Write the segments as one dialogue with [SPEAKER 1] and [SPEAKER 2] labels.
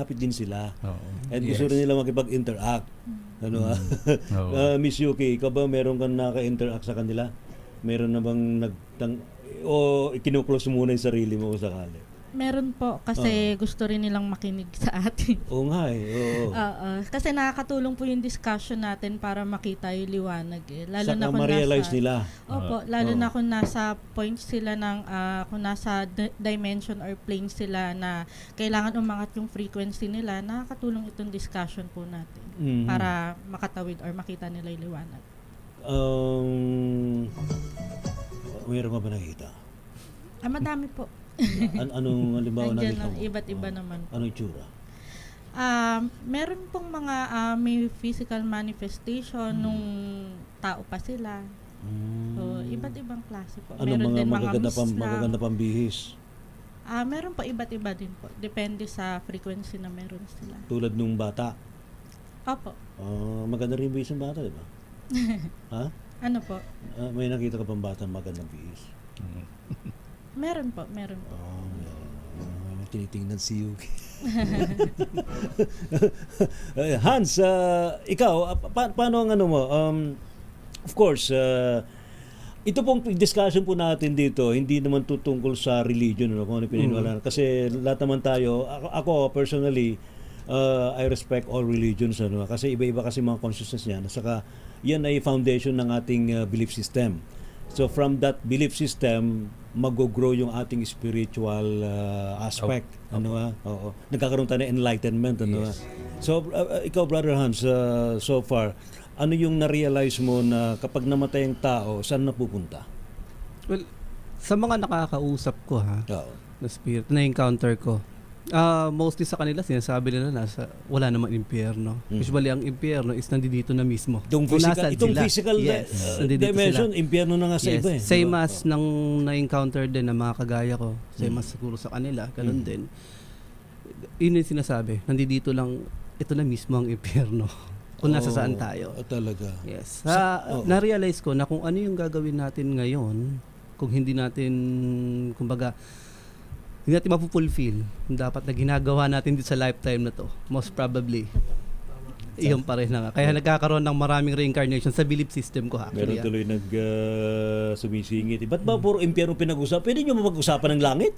[SPEAKER 1] malapit din sila.
[SPEAKER 2] Oo.
[SPEAKER 1] And gusto rin nila makipag-interact. Ano
[SPEAKER 2] Oo.
[SPEAKER 1] Miss Yuki, ikaw ba meron kang naka-interact sa kanila? Meron na bang o kinuklose muna yung sarili mo kung sakali?
[SPEAKER 3] Meron po kasi gusto rin nilang makinig sa atin.
[SPEAKER 1] Oo nga Oo.
[SPEAKER 3] Kasi nakakatulong po yung discussion natin para makita yung liwanag eh. Lalo
[SPEAKER 1] Saka
[SPEAKER 3] na kung
[SPEAKER 1] ma-realize nila.
[SPEAKER 3] Opo, lalo na kung nasa point sila ng kung nasa dimension or plane sila na kailangan umangat yung frequency nila, nakakatulong itong discussion po natin para makatawid or makita nila yung liwanag.
[SPEAKER 1] Mayroon ka ba nakita?
[SPEAKER 3] Madami po.
[SPEAKER 1] Anong halimbawa
[SPEAKER 3] Nandiyan
[SPEAKER 1] nakita mo?
[SPEAKER 3] iba't iba naman.
[SPEAKER 1] Anong itsura?
[SPEAKER 3] Meron pong mga may physical manifestation nung tao pa sila. So, iba't ibang klase po.
[SPEAKER 1] Anong
[SPEAKER 3] Meron din mga
[SPEAKER 1] magaganda pang bihis?
[SPEAKER 3] Meron po iba't iba din po. Depende sa frequency na meron sila.
[SPEAKER 1] Tulad nung bata?
[SPEAKER 3] Opo.
[SPEAKER 1] Maganda rin bihis ng bata, di ba? Ha?
[SPEAKER 3] Ano po?
[SPEAKER 1] May nakita ka pang bata magandang bihis?
[SPEAKER 3] Meron po, meron po.
[SPEAKER 1] Tinitingnan si Yuki. Hans, ikaw, paano ang ano mo? Of course, ito pong discussion po natin dito, hindi naman tutungkol sa religion, kung ano pininiwalaan. Kasi lahat naman tayo, ako personally, I respect all religions, kasi iba-iba kasi mga consciousness niya. Saka yan ay foundation ng ating belief system. So from that belief system, mag-grow yung ating spiritual aspect. Oo. Nagkakaroon tayo ng enlightenment. So ikaw, Brother Hans, so far, ano yung na-realize mo na kapag namatay ang tao, saan napupunta?
[SPEAKER 4] Well, sa mga nakakausap ko na spirit, na-encounter ko, mostly sa kanila sinasabi nila wala namang impyerno. Usually ang impyerno is nandito na mismo.
[SPEAKER 1] Itong physical dimension, impyerno na nga sa iba eh.
[SPEAKER 4] Same as nang na-encounter din ng mga kagaya ko, same as siguro sa kanila, ganun din. Yun yung sinasabi, nandito lang, ito na mismo ang impyerno. Kung nasa saan tayo.
[SPEAKER 1] Talaga.
[SPEAKER 4] Yes. Na-realize ko na kung ano yung gagawin natin ngayon, kung hindi natin, kumbaga, hindi natin mapupulfill dapat na ginagawa natin dito sa lifetime na to, most probably iyon pa rin na. Kaya nagkakaroon ng maraming reincarnation sa belief system ko actually.
[SPEAKER 1] Meron tuloy sumisingit. Ba't ba puro impyerno pinag-usap? Pwede nyo mag-usapan ng langit?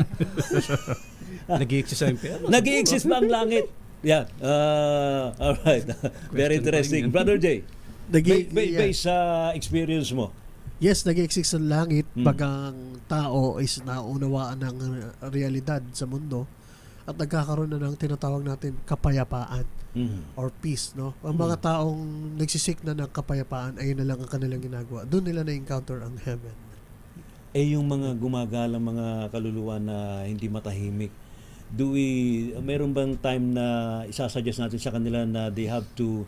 [SPEAKER 4] Nag-i-exist sa impyerno.
[SPEAKER 1] Nag-i-exist ba ang langit? Yeah. Alright. Very interesting. Brother Jay, based sa experience mo,
[SPEAKER 5] yes, nag-exist sa langit pag ang tao is naunawaan ng realidad sa mundo at nagkakaroon na ng tinatawag natin kapayapaan or peace, no? Ang mga taong nagsisik na ng kapayapaan, ayun na lang ang kanilang ginagawa. Doon nila na-encounter ang heaven.
[SPEAKER 1] Yung mga gumagalang mga kaluluwa na hindi matahimik, meron bang time na isasuggest natin sa kanila na they have to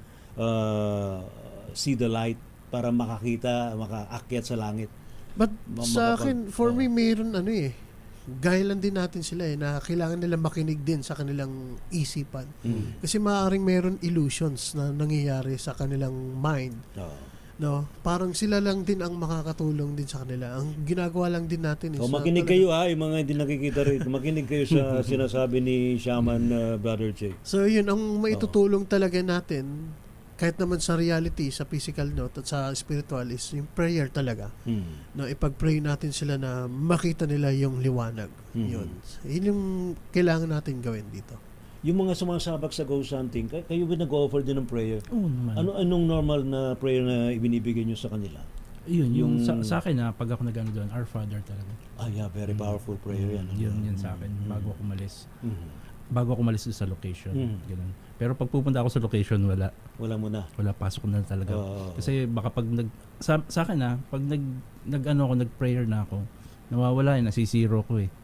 [SPEAKER 1] see the light para makaakyat sa langit?
[SPEAKER 5] But sa akin, for me, mayroon gaya lang din natin sila na kailangan nila makinig din sa kanilang isipan. Kasi maaaring mayroon illusions na nangyayari sa kanilang mind. No? Parang sila lang din ang makakatulong din sa kanila. Ang ginagawa lang din natin is
[SPEAKER 1] makinig kayo yung mga hindi nakikita rito. Makinig kayo sa sinasabi ni Shaman, Brother Jay.
[SPEAKER 5] So yun, ang maitutulong talaga natin kahit naman sa reality, sa physical note at sa spiritual is yung prayer talaga. No, ipag-pray natin sila na makita nila yung liwanag. Yun yung kailangan natin gawin dito.
[SPEAKER 1] Yung mga sumasabak sa ghost hunting, kayo ba nag-offer din ng prayer?
[SPEAKER 2] Oo naman.
[SPEAKER 1] Anong normal na prayer na ibinibigay nyo sa kanila?
[SPEAKER 2] Yung sa akin pag ako nag-ano doon, Our Father talaga.
[SPEAKER 1] Yeah, very powerful prayer yan.
[SPEAKER 2] Yun sa akin, bago ako umalis. Bago ako umalis sa location. Ganun. Pero pag pupunta ako sa location, wala.
[SPEAKER 1] Wala muna.
[SPEAKER 2] Wala, pasok na talaga. Kasi baka pag sa akin pag nag-prayer na ako, nawawala nasisiro ko eh.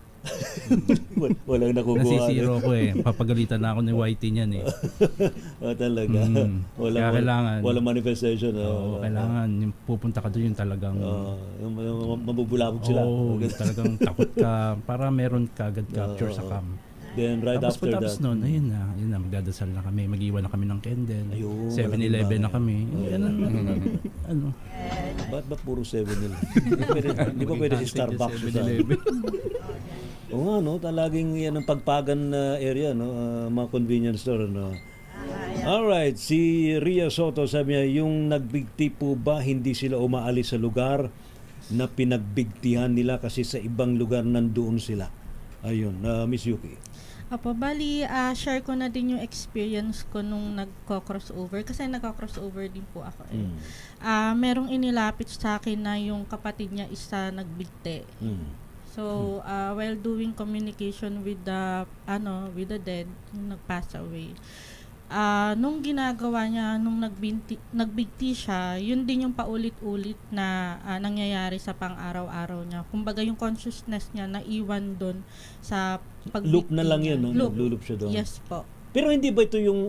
[SPEAKER 1] Walang nakukuha.
[SPEAKER 2] Nasisiro ko eh. Papagalitan na ako ni Whitey niyan eh.
[SPEAKER 1] Talaga.
[SPEAKER 2] Kaya kailangan.
[SPEAKER 1] Walang manifestation.
[SPEAKER 2] Kailangan. Yung pupunta ka doon yung talagang
[SPEAKER 1] mabubulabog sila.
[SPEAKER 2] Talagang takot ka. Para meron ka agad capture sa cam.
[SPEAKER 1] Then right after that.
[SPEAKER 2] Tapos noon, ayun na, magdadasal na kami. Mag-iwan na kami ng candle. 7-Eleven na kami. Ano?
[SPEAKER 1] Ba't ba puro 7-Eleven? Hindi ba pwede si Starbucks? Oo nga, no? Talaging yan ang pagpagan na area, no? Mga convenience store, no? Alright, si Ria Soto sabi niya, yung nagbigti po ba, hindi sila umaalis sa lugar na pinagbigtihan nila kasi sa ibang lugar nandoon sila? Ayun, Miss Yuki.
[SPEAKER 3] Apo, bali, share ko na din yung experience ko nung nagko-crossover. Kasi nagko-crossover din po ako eh. Merong inilapit sa akin na yung kapatid niya isa nagbigti. So, while doing communication with the dead, yung nag-pass away, nung ginagawa niya, nung nagbigti siya, yun din yung paulit-ulit na nangyayari sa pang-araw-araw niya. Kumbaga yung consciousness niya naiwan doon sa pagbigti.
[SPEAKER 1] Loop na lang
[SPEAKER 3] niya.
[SPEAKER 1] yun, no? Naglulup siya doon.
[SPEAKER 3] Yes po.
[SPEAKER 1] Pero hindi ba ito yung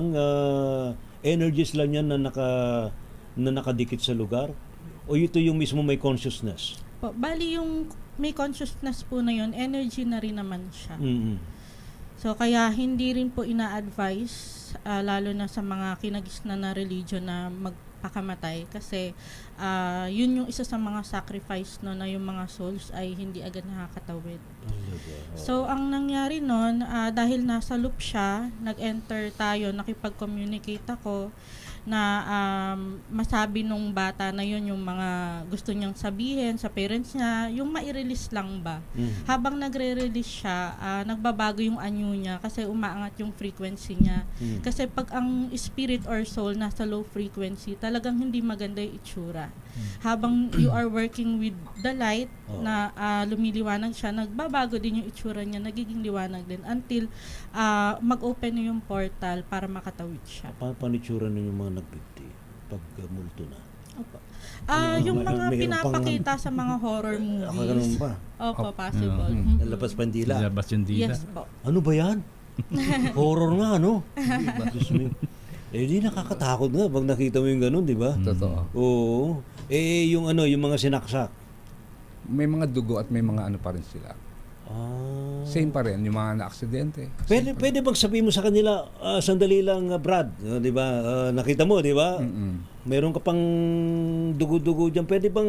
[SPEAKER 1] energies lang yan na nakadikit sa lugar? O ito yung mismo may consciousness?
[SPEAKER 3] Po, bali yung may consciousness po na yun, energy na rin naman siya. So kaya hindi rin po ina-advise lalo na sa mga kinagisnan na religion na magpakamatay kasi yun yung isa sa mga sacrifice no na yung mga souls ay hindi agad nakakatawid. So ang nangyari noon dahil nasa loop siya, nag-enter tayo, nakipag-communicate ako na masabi nung bata na yun yung mga gusto niyang sabihin sa parents niya, yung mai-release lang ba. Habang nagre-release siya, nagbabago yung anyo niya kasi umaangat yung frequency niya. Kasi pag ang spirit or soul nasa low frequency, talagang hindi maganda yung itsura. Habang you are working with the light na lumiliwanag siya, nagbabago din yung itsura niya, nagiging liwanag din until mag-open na yung portal para makatawid siya.
[SPEAKER 1] Paano itsura ninyo yung mga nagbigti pag multo na?
[SPEAKER 3] Opo. Yung mga pinapakita sa mga horror movies.
[SPEAKER 1] Ganun ba?
[SPEAKER 3] Opo, possible.
[SPEAKER 1] Labas pandila.
[SPEAKER 2] Labas yung dila.
[SPEAKER 3] Yes po.
[SPEAKER 1] Ano ba yan? Horror nga, no? Diyos me. Di nakakatakot nga pag nakita mo yung ganun, di ba?
[SPEAKER 6] Totoo.
[SPEAKER 1] Oo. Yung yung mga sinaksak.
[SPEAKER 6] May mga dugo at may mga ano pa rin sila. Same pa rin, yung mga na-aksidente.
[SPEAKER 1] Pwede bang sabihin mo sa kanila, sandali lang, Brad, di ba? Nakita mo, di ba? Meron ka pang dugo-dugo dyan. Pwede bang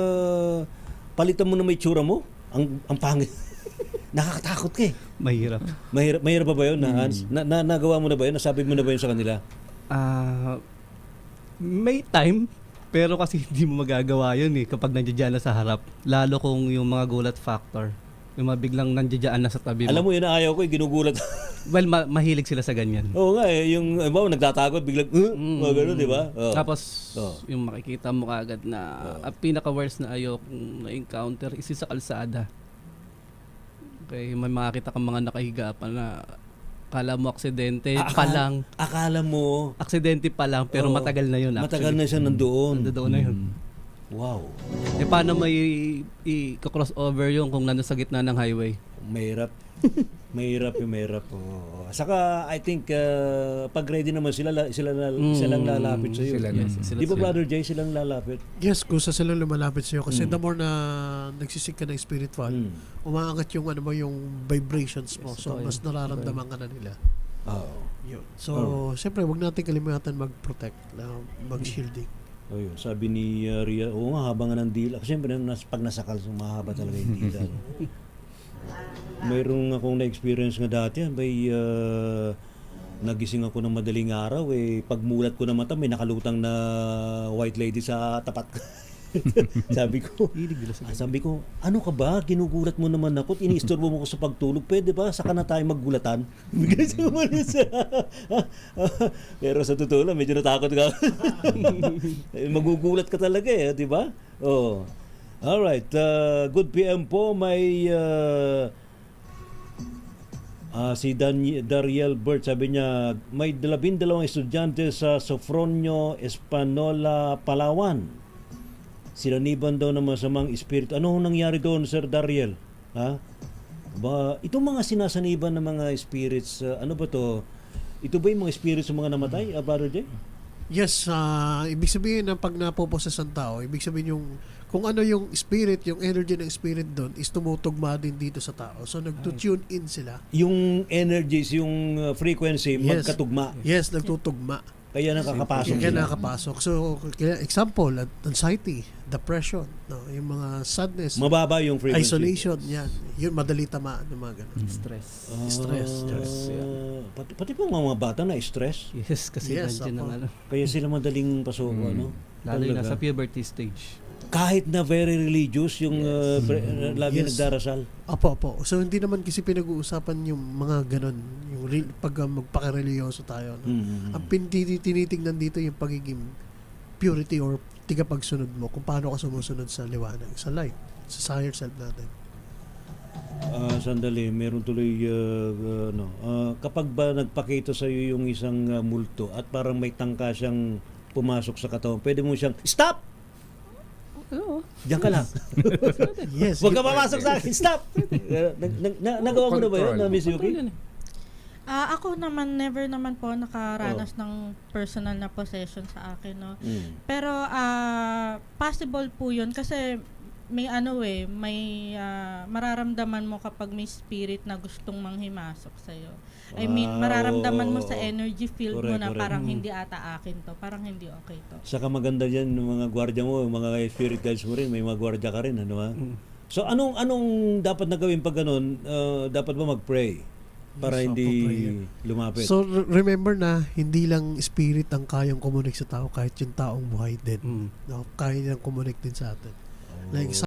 [SPEAKER 1] palitan mo na may tsura mo? Ang pangit. Nakakatakot ka eh.
[SPEAKER 4] Mahirap.
[SPEAKER 1] Mahirap pa ba yun, Hans? Nagawa mo na ba yun? Nasabi mo na ba yun sa kanila?
[SPEAKER 4] May time, pero kasi hindi mo magagawa yun eh kapag nandiyan na sa harap. Lalo kung yung mga gulat factor. Yung mga biglang nandiyan na sa tabi mo.
[SPEAKER 1] Alam mo yun na ayaw ko, ginugulat.
[SPEAKER 4] Well, mahilig sila sa ganyan.
[SPEAKER 1] Oo nga eh, yung nagtatakot, biglang, mga gano'n, di ba?
[SPEAKER 4] Tapos, yung makikita mo kaagad na ang pinaka-worst na ayaw kong na-encounter is sa kalsada. Okay, may makakita kang mga nakahiga pa na akala mo aksidente pa lang.
[SPEAKER 1] Akala mo.
[SPEAKER 4] Aksidente pa lang, pero matagal na yun.
[SPEAKER 1] Matagal na siya nandoon.
[SPEAKER 4] Nandoon na yun.
[SPEAKER 1] Wow.
[SPEAKER 4] Paano may i-crossover yung kung nandun sa gitna ng highway?
[SPEAKER 1] Mahirap. Mahirap. Saka, I think, pag ready naman sila lang lalapit sa iyo. Di ba, Brother Jay, silang lalapit?
[SPEAKER 5] Yes, kusa sila lumalapit sa'yo kasi the more na nagsisik ka ng spiritual, umaangat yung yung vibrations mo. So, mas nararamdaman ka na nila. Yun. So, siyempre, wag natin kalimutan mag-protect, mag-shielding.
[SPEAKER 1] Ayun, sabi ni Ria, oo nga, habang nga ng dila. Kasi siyempre, pag nasakal, mahaba talaga yung dila. Mayroong akong na-experience nga dati, nagising ako ng madaling araw, pagmulat ko ng mata, may nakalutang na white lady sa tapat ko. Sabi ko, ano ka ba? Ginugulat mo naman ako at iniistorbo mo ko sa pagtulog. Pwede ba? Saka na tayo maggulatan. Bigla siya umalis. Pero sa totoo lang, medyo natakot ka. Magugulat ka talaga di ba? Oh. Alright. Good PM po. May si Dariel Bert, sabi niya, may 12 estudyante sa Sofronio Espanola, Palawan. Sinaniban daw ng masamang espiritu. Ano nangyari doon, Sir Dariel? Itong mga sinasaniban ng mga spirits, ano ba to? Ito ba yung mga spirits ng mga namatay, Brother Jay?
[SPEAKER 5] Yes, ibig sabihin na pag napoposes ang tao, ibig sabihin yung kung ano yung spirit, yung energy ng spirit doon is tumutugma din dito sa tao. So nagtutune in sila.
[SPEAKER 1] Yung energies, yung frequency, magkatugma.
[SPEAKER 5] Yes, nagtutugma.
[SPEAKER 1] Kaya nakakapasok
[SPEAKER 5] Kaya
[SPEAKER 1] sila.
[SPEAKER 5] nakakapasok. So, example, anxiety, depression, no? Yung mga sadness,
[SPEAKER 1] Mababa yung frequency.
[SPEAKER 5] isolation, yan. Yun, madali tamaan ng mga ganun.
[SPEAKER 4] Stress.
[SPEAKER 5] Stress.
[SPEAKER 1] Pati po mga bata na stress.
[SPEAKER 4] Yes, kasi
[SPEAKER 5] Yes,
[SPEAKER 4] nandiyan ang
[SPEAKER 5] apo.
[SPEAKER 4] ano.
[SPEAKER 1] Kaya sila madaling pasok, ano?
[SPEAKER 4] Lalo yung
[SPEAKER 1] Talaga.
[SPEAKER 4] nasa puberty stage.
[SPEAKER 1] Kahit na very religious, yung lagi
[SPEAKER 5] Yes.
[SPEAKER 1] nagdarasal.
[SPEAKER 5] Opo. So, hindi naman kasi pinag-uusapan yung mga ganun. Yung pag magpaka-religyoso tayo. No? Ang tinitignan dito yung pagiging purity or tigapagsunod mo kung paano ka sumusunod sa liwanag, sa light, sa higher self natin.
[SPEAKER 1] Sandali, meron tuloy kapag ba nagpakita sa iyo yung isang multo at parang may tangka siyang pumasok sa katawan, pwede mo siyang stop. Diyan ka lang.
[SPEAKER 5] Yes.
[SPEAKER 1] Huwag ka papasok sa akin. Stop. Nagawa mo na ba yun, Miss Yuki?
[SPEAKER 3] Ako naman, never naman po nakaranas ng personal na possession sa akin, no. Pero possible po 'yun kasi may may mararamdaman mo kapag may spirit na gustong manghimasok sa iyo. I mean, mararamdaman mo sa energy field mo na
[SPEAKER 1] Correct.
[SPEAKER 3] parang hindi ata akin to, parang hindi okay to.
[SPEAKER 1] Saka maganda diyan ng mga gwardiya mo, mga spirit guides mo rin, may mga gwardiya ka rin, ano ba? So anong dapat na gawin pag ganun? Dapat ba mag-pray para
[SPEAKER 5] Yes,
[SPEAKER 1] hindi
[SPEAKER 5] prayer.
[SPEAKER 1] lumapit?
[SPEAKER 5] So, remember na hindi lang spirit ang kayang kumunik sa tao, kahit yung taong buhay din. No? Kaya nilang kumunik din sa atin. Like,